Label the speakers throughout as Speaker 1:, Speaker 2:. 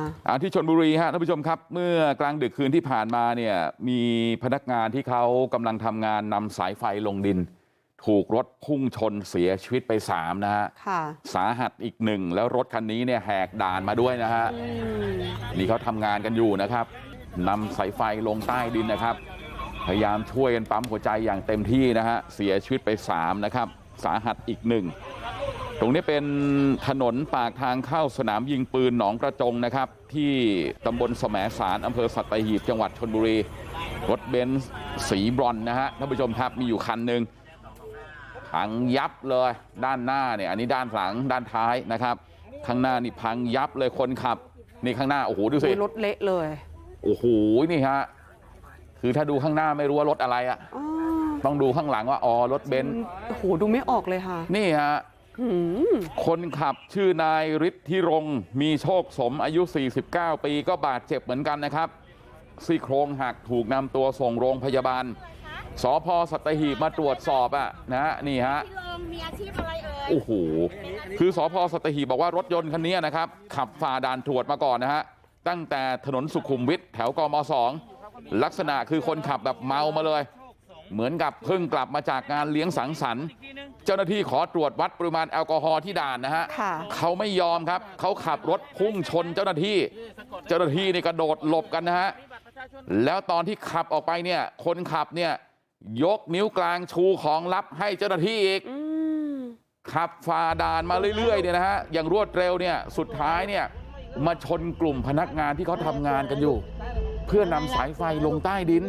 Speaker 1: ที่ชลบุรีฮะท่านผู้ชมครับเมื่อกลางดึกคืนที่ผ่านมาเนี่ยมีพนักงานที่เขากำลังทำงานนำสายไฟลงดินถูกรถพุ่งชนเสียชีวิตไป3นะฮะสาหัสอีก1แล้วรถคันนี้เนี่ยแหกด่านมาด้วยนะฮะนี่เขาทำงานกันอยู่นะครับนำสายไฟลงใต้ดินนะครับพยายามช่วยกันปั๊มหัวใจอย่างเต็มที่นะฮะเสียชีวิตไป3นะครับสาหัสอีก1ตรงนี้เป็นถนนปากทางเข้าสนามยิงปืนหนองกระจงนะครับที่ตำบลแสมสารอำเภอสัตหีบจังหวัดชลบุรีรถเบนซ์สีบรอนซ์นะฮะท่านผู้ชมครับมีอยู่คันหนึ่งพังยับเลยด้านหน้าเนี่ยอันนี้ด้านหลังด้านท้ายนะครับข้างหน้านี่พังยับเลยคนขับนี่ข้างหน้าโอ้โหดูสิรถเละเลยโอ้โหนี่ฮะคือถ้าดูข้างหน้าไม่รู้ว่ารถอะไรอ่ะต้องดูข้างหลังว่าอ๋อรถเบนซ์
Speaker 2: โอ้โหดูไม่ออกเลยค่ะ
Speaker 1: นี่ฮะคนขับชื่อนายฤทธิรงค์มีโชคสมอายุ49ปีก็บาดเจ็บเหมือนกันนะครับซี่โครงหักถูกนำตัวส่งโรงพยาบาลสพ.สัตหีบมาตรวจสอบนะนี่ฮะ
Speaker 3: มีอาชีพอะไร
Speaker 1: โอ้โหคือสพ.สัตหีบบอกว่ารถยนต์คันนี้นะครับขับฝ่าด่านตรวจมาก่อนนะฮะตั้งแต่ถนนสุขุมวิทแถวกม2ลักษณะคือคนขับแบบเมามาเลยเหมือนกับเพิ่งกลับมาจากงานเลี้ยงสังสรรค์เจ้าหน้าที่ขอตรวจวัดปริมาณแอลกอฮอล์ที่ด่านนะฮะเขาไม่ยอมครับเขาขับรถพุ่งชนเจ้าหน้าที่นี่กระโดดหลบกันนะฮะแล้วตอนที่ขับออกไปเนี่ยคนขับเนี่ยยกนิ้วกลางชูของลับให้เจ้าหน้าที่อีกขับฝ่าด่านมาเรื่อยๆเนี่ยนะฮะอย่างรวดเร็วเนี่ยสุดท้ายเนี่ยมาชนกลุ่มพนักงานที่เขาทำงานกันอยู่เพื่อนำสายไฟลงใต้ดิน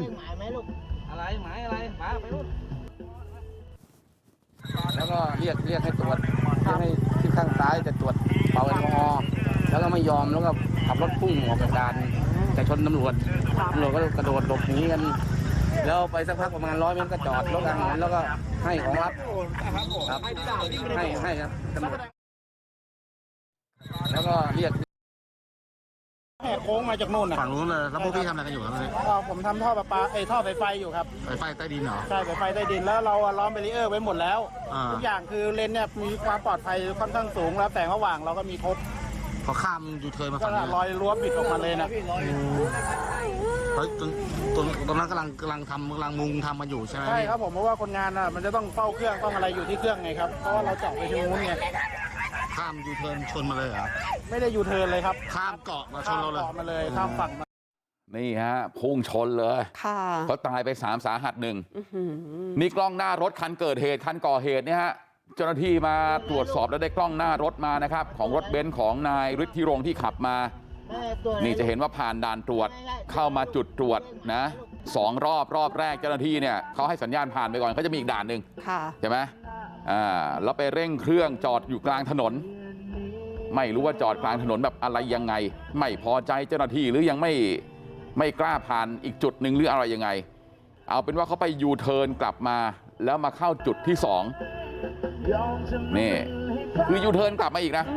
Speaker 4: แล้วก็เรียกให้ตรวจให้ที่ข้างซ้ายจะตรวจเป่าแอลกอฮอล์แล้วก็ไม่ยอมแล้วก็ขับรถพุ่งออกจากด่านจะชนตำรวจก็กระโดดหลบหนีกันแล้วไปสักพักประมาณ100 เมตรก็จอดรถกันแล้วก็ให้ของรับครับให้ครับตำรวจแล้วก็เรียก
Speaker 5: แหกโค้งมาจากโน่นนะ
Speaker 4: ฝั่งนู้นเลยแล้วพวกพี่ทำอะไรกันอยู่ครับ
Speaker 5: ผมทำท่อประปาท่อไฟไฟอยู่ครับ
Speaker 4: ไฟใต้ดินเหรอ
Speaker 5: ใช่ไฟใต้ดินแล้วเราล้อมเบรีเออร์ไว้หมดแล้วทุกอย่างคือเลนเนี่ยมีความปลอดภัยค่อนข้างสูงแล้วแต่ระหว่างเราก็มีครบ
Speaker 4: พอข้ามยูเทิร์นมาฝั่งนี้
Speaker 5: รอยรั้วปิดออกมาเลยนะ
Speaker 4: เฮ้ยตรงนั้นกำลังมุงทำมาอยู่ใช่ไหม
Speaker 5: ใช่ครับผมเพราะว่าคนงานมันจะต้องเฝ้าเครื่องต้องอะไรอยู่ที่เครื่องไงครับเพราะว่าเราเจาะไปทางนู้นไง
Speaker 4: ข้ามยูเทิร์นชนมาเลยเหรอ
Speaker 5: ไม่ได้ยูเทิร์นเลยครับ
Speaker 4: ข้ามเกาะมาชนเราเลย
Speaker 5: มาเลยข้ามฝั่งมา
Speaker 1: นี่ฮะพุ่งชนเลยเขาตายไป3สาหัส1นี่กล้องหน้ารถคันเกิดเหตุคันก่อเหตุเนี่ยฮะเจ้าหน้าที่มาตรวจสอบแล้วได้กล้องหน้ารถมานะครับของรถเบนซ์ของนายฤทธิรงค์ที่ขับมานี่จะเห็นว่าผ่านด่านตรวจเข้ามาจุดตรวจนะ2 รอบแรกเจ้าหน้าที่เนี่ยเขาให้สัญญาณผ่านไปก่อนเขาจะมีอีกด่านหนึ่งใช่ไหมแล้วไปเร่งเครื่องจอดอยู่กลางถนนไม่รู้ว่าจอดกลางถนนแบบอะไรยังไงไม่พอใจเจ้าหน้าที่หรือยังไม่กล้าผ่านอีกจุดหนึ่งหรืออะไรยังไงเอาเป็นว่าเขาไปยูเทิร์นกลับมาแล้วมาเข้าจุดที่2นี่คือยูเทิร์นกลับมาอีกนะ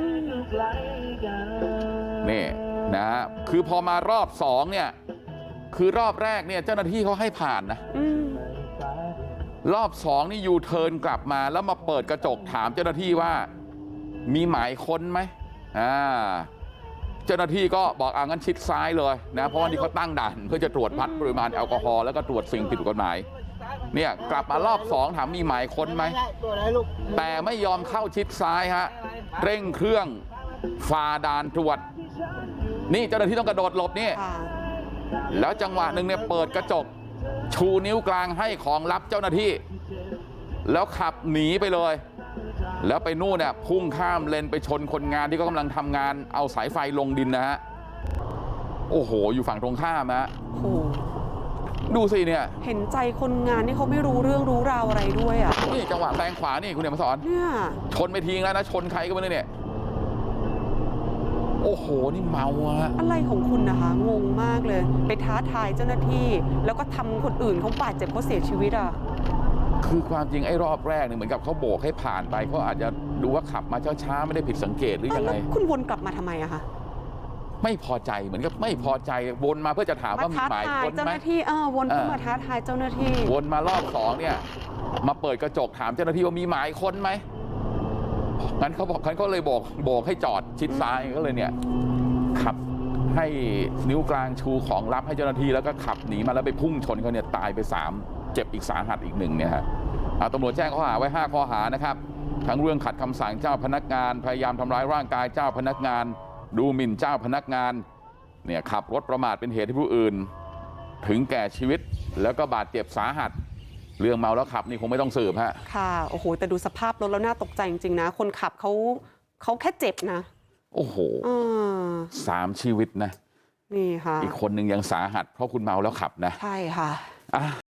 Speaker 1: นี่นะคือพอมารอบ2เนี่ยคือรอบแรกเนี่ยเจ้าหน้าที่เขาให้ผ่านนะรอบ2นี่ยูเทิร์นกลับมาแล้วมาเปิดกระจกถามเจ้าหน้าที่ว่ามีหมายค้นไหมเจ้าหน้าที่ก็บอกงั้นชิดซ้ายเลยนะเพราะว่านี่เขาตั้งด่านเพื่อจะตรวจวัดปริมาณแอลกอฮอล์แล้วก็ตรวจสิ่งผิดกฎหมายเนี่ยกลับมารอบ2ถามมีหมายค้นไหมแต่ไม่ยอมเข้าชิดซ้ายฮะเร่งเครื่องฝ่าด่านตรวจนี่เจ้าหน้าที่ต้องกระโดดหลบนี่แล้วจังหวะหนึ่งเนี่ยเปิดกระจกชูนิ้วกลางให้ของลับเจ้าหน้าที่แล้วขับหนีไปเลยแล้วไปนู่นเนี่ยพุ่งข้ามเลนไปชนคนงานที่เขากำลังทำงานเอาสายไฟลงดินนะฮะโอ้โหอยู่ฝั่งตรงข้ามฮะดูสิเนี่ย
Speaker 2: เห็นใจคนงานที่เขาไม่รู้เรื่องรู้ราวอะไรด้วย
Speaker 1: นี่จังหวะแซงขวานี่คุณเดี๋ยวมาสอน
Speaker 2: เนี่ย
Speaker 1: ชนไปทิ้งแล้วนะชนใครก็ไม่รู้เนี่ยโอ้โหนี่เมา
Speaker 2: อะไรของคุณนะคะงงมากเลยไปท้าทายเจ้าหน้าที่แล้วก็ทำคนอื่นเขาบาดเจ็บเขาเสียชีวิต
Speaker 1: คือความจริงไอ้รอบแรกเนี่ยเหมือนกับเขาโบกให้ผ่านไปเขาอาจจะดูว่าขับมาช้าๆไม่ได้ผิดสังเกตหรือยังไง
Speaker 2: คุณวนกลับมาทำไมคะ
Speaker 1: ไม่พอใจเหมือนกับไม่พอใจวนมาเพื่อจะถามว่ามีหมายค้นไหม
Speaker 2: เจ้าหน้าที่วนเข้ามาท้าทายเจ้าหน้าที่
Speaker 1: วนมารอบ2เนี่ยมาเปิดกระจกถามเจ้าหน้าที่ว่ามีหมายค้นไหมงั้นเขาเลยโบกให้จอดชิดซ้ายก็เลยเนี่ยขับให้นิ้วกลางชูของลับให้เจ้าหน้าที่แล้วก็ขับหนีมาแล้วไปพุ่งชนเขาเนี่ยตายไป3เจ็บอีกสาหัสอีก1เนี่ยฮะตำรวจแจ้งข้อหาไว้5ข้อหานะครับทั้งเรื่องขัดคำสั่งเจ้าพนักงานพยายามทำร้ายร่างกายเจ้าพนักงานดูหมิ่นเจ้าพนักงานเนี่ยขับรถประมาทเป็นเหตุให้ผู้อื่นถึงแก่ชีวิตแล้วก็บาดเจ็บสาหัสเรื่องเมาแล้วขับนี่คงไม่ต้องสืบฮะ
Speaker 2: ค่ะโอ้โหแต่ดูสภาพรถแล้วน่าตกใจจริงๆนะคนขับเขาแค่เจ็บนะ
Speaker 1: โอ้โห3 ชีวิตนะ
Speaker 2: นี่ค่ะ
Speaker 1: อีกคนนึงยังสาหัสเพราะคุณเมาแล้วขับนะ
Speaker 2: ใช่ค่ะ